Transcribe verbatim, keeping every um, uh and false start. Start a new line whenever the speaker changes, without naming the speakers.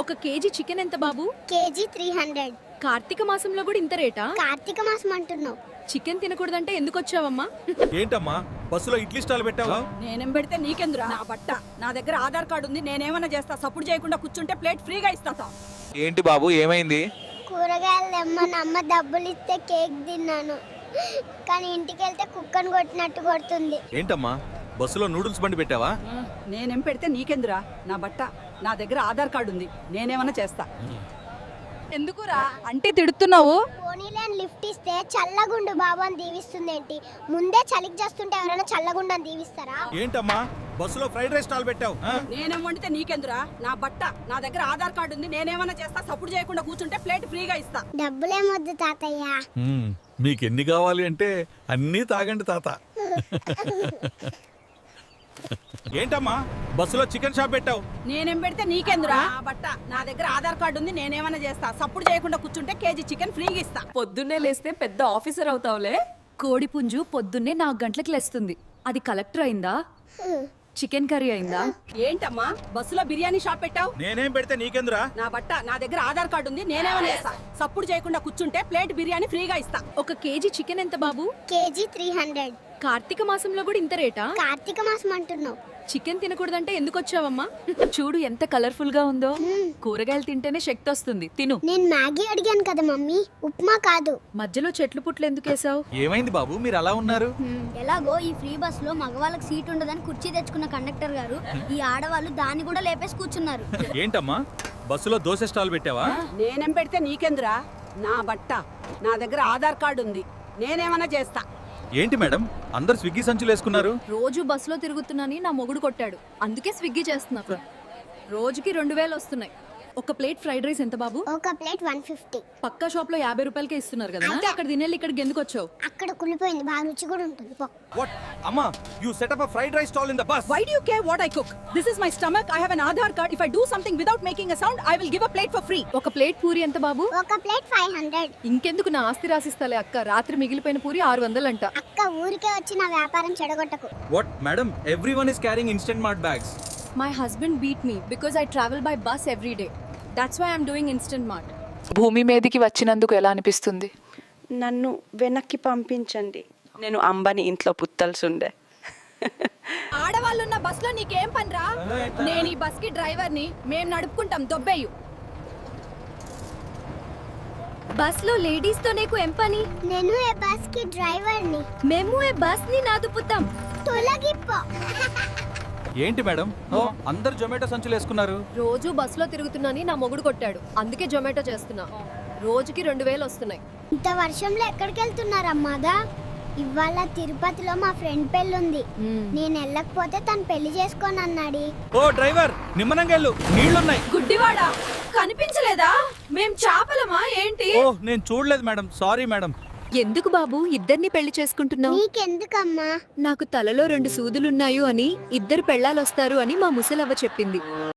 ఒక KG chicken ఎంత బాబు?
KG three hundred.
కార్తీక మాసంలో కూడా ఇంత రేటా?
కార్తీక మాసం అంటున్నావు?
చికెన్ తినకూడదంటే ఎందుకు వచ్చావమ్మా?
ఏంటమ్మా బస్సులో ఇడ్లీ స్టాల్ పెట్టావా?
నేనేం పెడితే నీకెందురా? నా బట్ట నా దగ్గర ఆధార్ కార్డు ఉంది. నేనేమన్నా చేస్తా. సపోర్ట్ చేయకుండా కూర్చుంటే ప్లేట్ ఫ్రీగా ఇస్తా.
ఏంటి బాబు ఏమైంది?
కూరగాయలు తెమ్మని అమ్మ డబ్బులు ఇస్తే కేక్ తిన్నాను, కానీ ఇంటికి వెళ్తే కుక్కను కొట్టినట్టు కొడుతుంది.
ఏంటమ్మా బస్సులో నూడిల్స్ బండి పెట్టావా?
నేనేం పెడితే నీకెందురా? నా బట్ట నా దగ్గర ఆధార్ కార్డు ఉంది. నేనేమన్నా చేస్తా.
ఎందుకురా అంటే తిడుతున్నావు?
పోనీలేని లిఫ్ట్ ఇస్తే చల్లగుండు బాబు అని దీవిస్తుంది ఏంటి? ముందే చలికి చేస్తుంటే ఎవరైనా చల్లగుండని దీవిస్తారా?
ఏంటమ్మా బస్సులో ఫ్రైడ్ రైస్ స్టాల్ పెట్టావు? ఆ?
నేనేం వండితే నీకెందురా? నా బట్ట నా దగ్గర ఆధార్ కార్డు ఉంది. నేనేమన్నా చేస్తా. సపోర్ట్ చేయకుండా కూర్చుంటే ప్లేట్ ఫ్రీగా ఇస్తా.
డబ్బులేమొద్దు తాతయ్య.
మ్మ్. మీకు ఎన్ని కావాలి అంటే అన్నీ తాగండి తాత. ఏంటమ్మా బస్సులో చికెన్ షాప్ పెట్టావు?
నేనేం పెడితే నీకెందురా? నా బట్ట నా దగ్గర ఆధార్ కార్డు ఉంది. నేనేమన్నా చేస్తా. సపోర్ట్ చేయకుండా కూర్చుంటే కేజీ చికెన్ ఫ్రీగా ఇస్తా.
పొద్దున్నే లేస్తే పెద్ద ఆఫీసర్ అవుతావులే. కోడి పుంజు పొద్దున్నే నాలుగు గంటలకు లేస్తుంది. అది కలెక్టర్ అయిందా? చికెన్ కర్రీ అయిందా?
ఏంటమ్మా బస్సులో బిర్యానీ షాప్ పెట్టావు?
నేనేం పెడితే నీకెందురా?
నా బట్ట నా దగ్గర ఆధార్ కార్డు ఉంది. నేనేమన్నా చేస్తా. సపోర్ట్ చేయకుండా కూర్చుంటే ప్లేట్ బిర్యానీ ఫ్రీగా ఇస్తా.
ఒక కేజీ చికెన్ ఎంత బాబు?
KG three hundred.
కార్తీక మాసంలో కూడా ఇంత రేటా?
కార్తీక మాసం అంటున్నావు?
చికెన్ తినకూడదంటే ఎందుకు వచ్చావమ్మా? చూడు ఎంత కలర్ఫుల్ గా ఉందో. కూరగాయలు తింటేనే శక్తి వస్తుంది. తిను.
నేను మ్యాగీ అడిగాను కదా మమ్మీ, ఉప్మా కాదు.
మధ్యలో చెట్లు పుట్లు ఎందుకు వేసావు?
ఏమైంది బాబు మీరు అలా ఉన్నారు?
ఎలాగో ఈ ఫ్రీ బస్ లో మగవాళ్ళకి సీట్ ఉండదని కుర్చీ తెచ్చుకున్న కండక్టర్ గారు ఈ ఆడవాళ్ళు దాన్ని కూడా లేపేసి కూర్చున్నారు.
ఏంటమ్మా బస్సులో దోశ స్టాల్ పెట్టావా?
నేనేం పెడితే నీకెందురా? నా బట్ట నా దగ్గర ఆధార్ కార్డు ఉంది. నేనేమన్నా చేస్తా.
ఏంటి మేడం అందరు స్విగ్గీ సంచులు వేసుకున్నారు?
రోజు బస్సులో తిరుగుతున్నాని నా మొగుడు కొట్టాడు, అందుకే స్విగ్గీ చేస్తున్నా. రోజుకి రెండు వేలు వస్తున్నాయి. ఒక ప్లేట్ ఫ్రైడ్ రైస్ ఎంత బాబు?
ఒక ప్లేట్ వన్ ఫిఫ్టీ.
పక్కా షాప్ లో యాభై రూపాయలకే ఇస్తున్నారు కదా. అంటే అక్కడ తినేళ్ళు ఇక్కడికి ఎందుకు వచ్చావు?
అక్కడ కులిపోయింది, బాగా రుచి కూడా ఉంటుంది. పో.
వాట్ అమ్మా you set up a fried rice stall in the bus.
Why do you care what I cook? This is my stomach. I have an Aadhaar card. If I do something without making a sound, I will give a plate for free.
ఒక plate puri ఎంత బాబు?
ఒక plate five hundred.
ఇంకెందుకు నా ఆస్తి రాసిస్తాలే అక్క. రాత్రి మిగిలిపోయిన పూరి ఆరు వందలు అంట.
అక్క ఊరికే వచ్చి నా వ్యాపారం చెడగొట్టకు.
What madam everyone is carrying instant mart bags.
My husband beat me because I travel by bus every day. That's why I'm doing instant mart.
భూమి మీదకి వచ్చినందుకు ఎలా అనిపిస్తుంది?
నన్ను వెనక్కి పంపించండి. నేను అంబని ఇంట్లో పుత్తల్సుండే.
ఆడవాళ్ళున్న బస్ లో నీకేం పనిరా? నేను ఈ బస్ కి డ్రైవర్ ని. మేము నడుపుకుంటాం. దొబ్బేయు. బస్ లో లేడీస్ తో నీకు ఏం పని?
నేను ఏ బస్ కి డ్రైవర్ ని.
మేము ఏ బస్ ని నాదుపుతాం.
తొలగిపో.
ఏంటి మేడం ఓ అందరు జొమాటో సంచులు వేసుకున్నారు?
రోజు బస్ లో తిరుగుతున్నాని నా మొగుడు కొట్టాడు, అందుకే జొమాటో చేస్తున్నా. రోజుకి రెండు వేలు వస్తున్నాయి.
ఇంత వర్షంలో ఎక్కడికి వెళ్తున్నారమ్మాదా? ఇవాళ తిరుపతిలో మా ఫ్రెండ్ పెళ్ళి ఉంది. నేను వెళ్ళకపోతే తను పెళ్లి చేసుకోని అన్నాడు.
ఓ డ్రైవర్ నిమ్మనంగా వెళ్ళు, నీళ్లున్నాయి.
గుడ్డివాడా, కనిపించలేదా? మేం చాపలమా ఏంటి?
ఓ నేను చూడలేదు మేడం, సారీ మేడం.
ఎందుకు బాబు ఇద్దరిని పెళ్లి చేసుకుంటున్నావు?
నీకెందుకమ్మా?
నాకు తలలో రెండు సూదులున్నాయు అని, ఇద్దరు పెళ్ళాలొస్తారు అని మా ముసలవ్వ చెప్పింది.